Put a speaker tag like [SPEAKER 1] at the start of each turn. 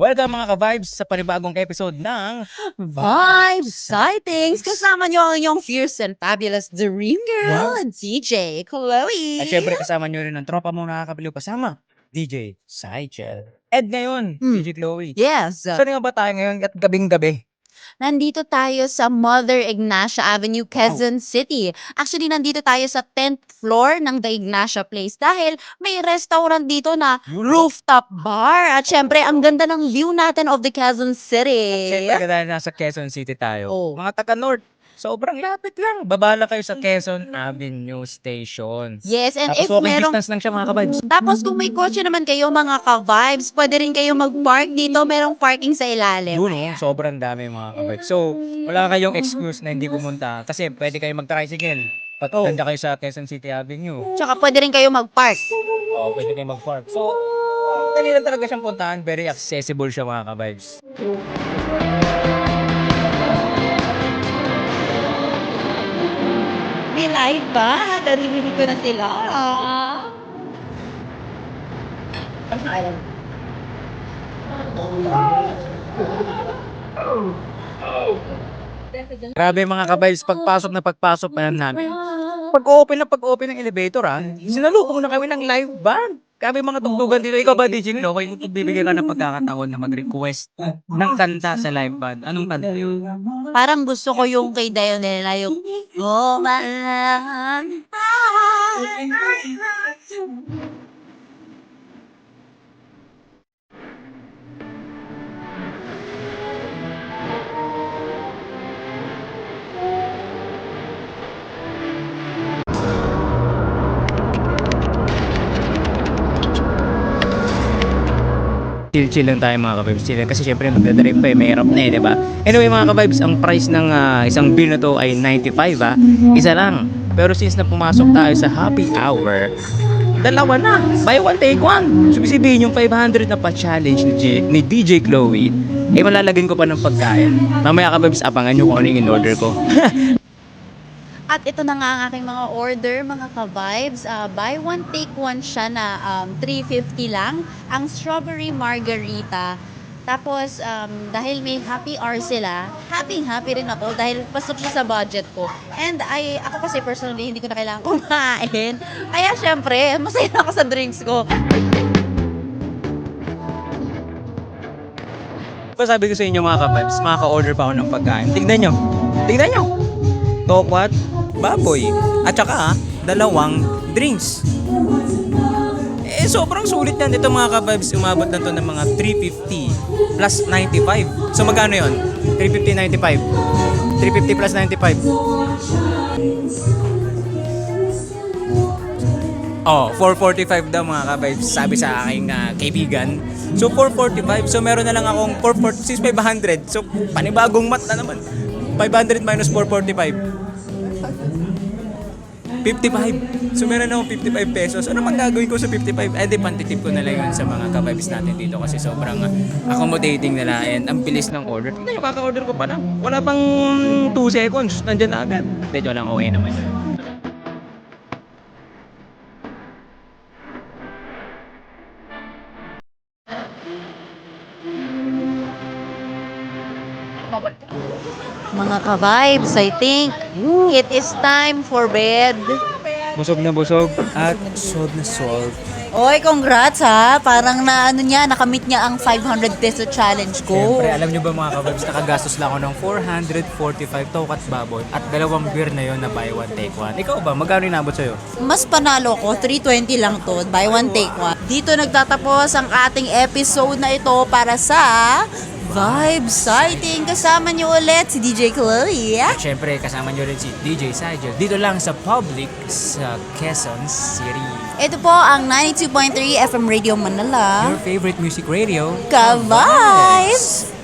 [SPEAKER 1] Welcome mga ka-vibes sa panibagong episode ng
[SPEAKER 2] Vibes Sightings! Kasama niyo ang inyong fierce and fabulous Dream Girl, DJ Chloe.
[SPEAKER 1] at syempre kasama nyo rin ang tropa mong nakakabaliw kasama, DJ Sychel. Ed ngayon, DJ Chloe.
[SPEAKER 2] Yes.
[SPEAKER 1] Saan nga ba tayo ngayon at gabing-gabi?
[SPEAKER 2] Nandito tayo sa Mother Ignacia Avenue, Quezon City. Actually, nandito tayo sa 10th floor ng The Ignacia Place dahil may restaurant dito na rooftop bar. At syempre, ang ganda ng view natin of the Quezon City.
[SPEAKER 1] Siyempre dahil nasa Quezon City tayo.
[SPEAKER 2] Oh.
[SPEAKER 1] Mga taga-North, sobrang lapit lang. Babala kayo sa Quezon Avenue Station.
[SPEAKER 2] Yes, and
[SPEAKER 1] Tapos
[SPEAKER 2] if
[SPEAKER 1] walking
[SPEAKER 2] merong
[SPEAKER 1] distance lang siya mga ka-vibes.
[SPEAKER 2] Tapos kung may kotse naman kayo mga ka-vibes, pwede rin kayo mag-park dito. Merong parking sa ilalim.
[SPEAKER 1] Yun sobrang dami mga ka-vibes. So, wala kayong excuse na hindi pumunta kasi pwede kayo mag-tricycle. Patanda kayo sa Quezon City Avenue.
[SPEAKER 2] Tsaka pwede rin kayo mag-park.
[SPEAKER 1] Oo, pwede kayo mag-park. So, dali lang talaga siyang puntahan. Very accessible siya mga ka-vibes.
[SPEAKER 2] May live ba? Naririnig ko na sila.
[SPEAKER 1] Grabe mga ka-vibes, pagpasok pa yan namin. Pag-open ng elevator sinalubong na kami ng live band. Grabe mga tugtugan dito. Ikaw ba, DJ Lo? Kung bibigyan ka ng pagkakataon na mag-request ng kanta sa live band, anong kanta yun?
[SPEAKER 2] Parang gusto ko yung kay Dionela, yung Gumalang.
[SPEAKER 1] Chill lang tayo mga ka-vibes. Chill lang kasi syempre magdadrive pa may hirap na diba? Anyway mga ka-vibes, ang price ng isang beer na to ay 95 Isa lang. Pero since na pumasok tayo sa happy hour, dalawa na. Buy one, take one. So sabihin yung 500 na pa-challenge ni DJ Chloe, malalagyan ko pa ng pagkain. Mamaya ka-vibes, abangan nyo kung ano yung in-order ko.
[SPEAKER 2] At ito na nga ang aking mga order, mga ka-vibes. Buy one, take one siya na 350 lang. Ang strawberry margarita. Tapos, dahil may happy hour sila, happy rin ako dahil pasok siya sa budget ko. And ako kasi personally, hindi ko na kailangan kumain. Kaya syempre, masaya na ako sa drinks ko.
[SPEAKER 1] Sabi ko sa inyo mga ka-vibes, makaka-order pa ako ng pagkain. Tignan nyo. Tokwat, baboy, at saka dalawang drinks. Sobrang sulit yan. Ito mga ka-vibes, umabot na to ng mga 350 plus 95. So magkano yon? 350, 95. 350 plus 95. 445 daw mga ka-vibes, sabi sa aking kaibigan. So 445, so meron na lang akong 446, 500. So panibagong mat na naman. 500 minus 445. 55. So meron akong 55 pesos. Ano mang gagawin ko sa 55? Di pantitip ko na lang yun sa mga ka-vibes natin dito kasi sobrang accommodating nila and ang bilis ng order. Tignan yung kaka-order ko pa na. Wala pang 2 seconds. Nandyan na agad. Medyo lang okay naman yun.
[SPEAKER 2] Mga ka-vibes, I think it is time for bed.
[SPEAKER 1] Busog na busog at sold na sold.
[SPEAKER 2] Oy, congrats ha. Parang nakamit niya ang 500 peso challenge ko.
[SPEAKER 1] Siyempre, alam nyo ba mga ka-vibes, nakagastos lang ako ng 445 tokat baboy at dalawang beer na yon na buy one take one. Ikaw ba, magkano inabot sa'yo?
[SPEAKER 2] Mas panalo ko, 320 lang to, buy one take one. Dito nagtatapos ang ating episode na ito para sa Vibe Sighting. Kasama niyo ulit si DJ Chloe.
[SPEAKER 1] At syempre, kasama nyo rin si DJ Sychel dito lang sa Public sa Quezon City.
[SPEAKER 2] Ito po ang 92.3 FM Radio Manila.
[SPEAKER 1] Your favorite music radio.
[SPEAKER 2] Ka-Vibes!